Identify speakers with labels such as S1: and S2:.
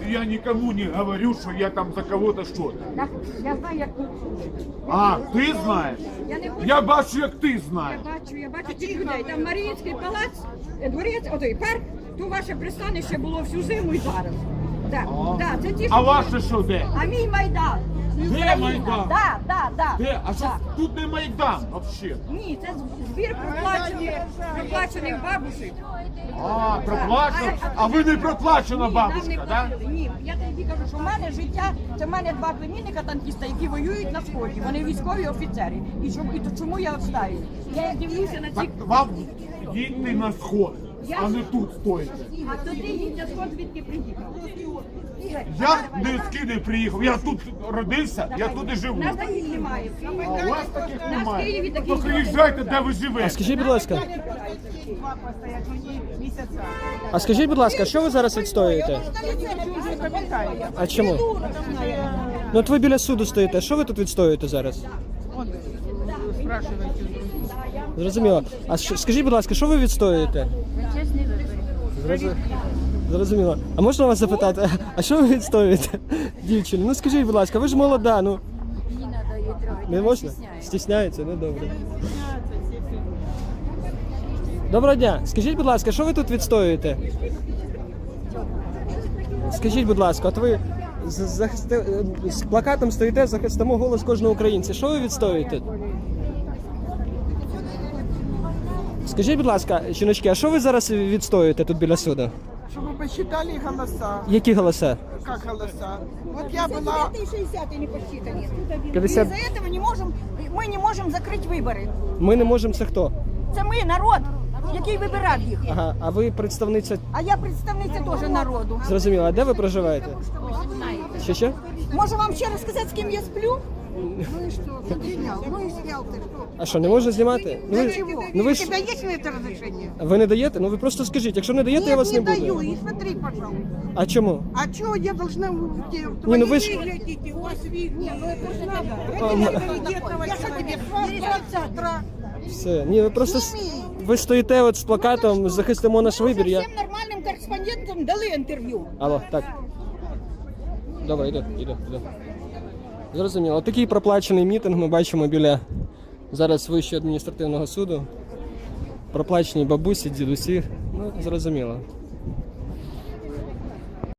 S1: я никому не говорю, что я там за кого-то что-то.
S2: Я знаю, як тут.
S1: А, ти знаєш? Я бачу, як ти знаєш.
S2: Я бачу цих людей. Там Маріїнський палац, дворець, отой парк, то ваше пристанище було всю зиму і зараз. Це ті,
S1: А ваше що де?
S2: А мій Майдан.
S1: Де Майдан?
S2: Да.
S1: Де? А що тут не Майдан взагалі?
S2: Ні, це збір проплачених бабусів.
S1: А, проплачено? А ви не проплачена бабушка, так?
S2: Ні, я тобі кажу, що в мене життя, це в мене два племінника танкіста, які воюють на сході. Вони військові офіцери. І чому я відстаю? Я дивлюся на
S1: Так
S2: ці...
S1: вам їдьте на сход, а не тут стоїте.
S2: А тоді їдь на сход, звідки приїхав.
S1: Я не з Києва приїхав, я тут родився, я тут і живу.
S2: У нас таких немає.
S1: А у вас таких
S2: У нас в Києві
S1: немає.
S2: таких
S1: То приїжджайте, де ви живете.
S3: Скажіть, будь ласка. А скажіть, будь ласка, що ви зараз відстоюєте? А чому? Ну от ви біля суду стоїте. Що ви тут відстоюєте зараз? Зрозуміло. А скажіть, будь ласка, що ви відстоюєте?
S2: Чесний вибір.
S3: Зрозуміло. А можна вас запитати, а що ви відстоюєте, дівчину? Ну скажіть, будь ласка, ви ж молода, ну.
S2: Не треба її трогати.
S3: Не можна? Стісняється? Ну добре. Доброго дня. Скажіть, будь ласка, що ви тут відстоюєте? Скажіть, будь ласка, от ви з плакатом стоїте, захистимо голос кожного українця. Що ви відстоюєте? Скажіть, будь ласка, жіночки, а що ви зараз відстоюєте тут біля суду?
S4: Чтобы посчитали голоса.
S3: Які голоси?
S4: Как голоса? Вот я была...
S2: 60 не посчитані.
S3: 50.
S2: Из-за этого ми не можемо закрити вибори.
S3: Ми не можемо, це хто?
S2: Це ми, народ, який вибирав їх.
S3: Ага, а ви представниця,
S2: А я представниця теж народу.
S3: зрозуміло, а де ви проживаєте? Що?
S2: Можу вам ще розказати, з ким я сплю?
S3: А що, не можна знімати? Ну ви
S4: У
S3: ж,
S4: тебя есть на это разрешение?
S3: ви не даєте? Ну ви просто скажіть, якщо не даєте, я вас не
S4: даю.
S3: буду.
S4: И смотри, пожалуйста.
S3: А чому?
S4: А что я должна...
S3: Не, ну вы ж-
S4: Глядите, у вас видно. Я что тебе, завтра?
S3: Все. Ні, ви просто ви стоїте от з плакатом захистимо наш вибір. Я...
S2: Всім нормальним кореспондентам дали інтерв'ю.
S3: Алло, так. Добре, іду. Зрозуміло. Такий проплачений мітинг ми бачимо біля зараз Вищого адміністративного суду. Проплачені бабусі, дідусі. Ну, зрозуміло.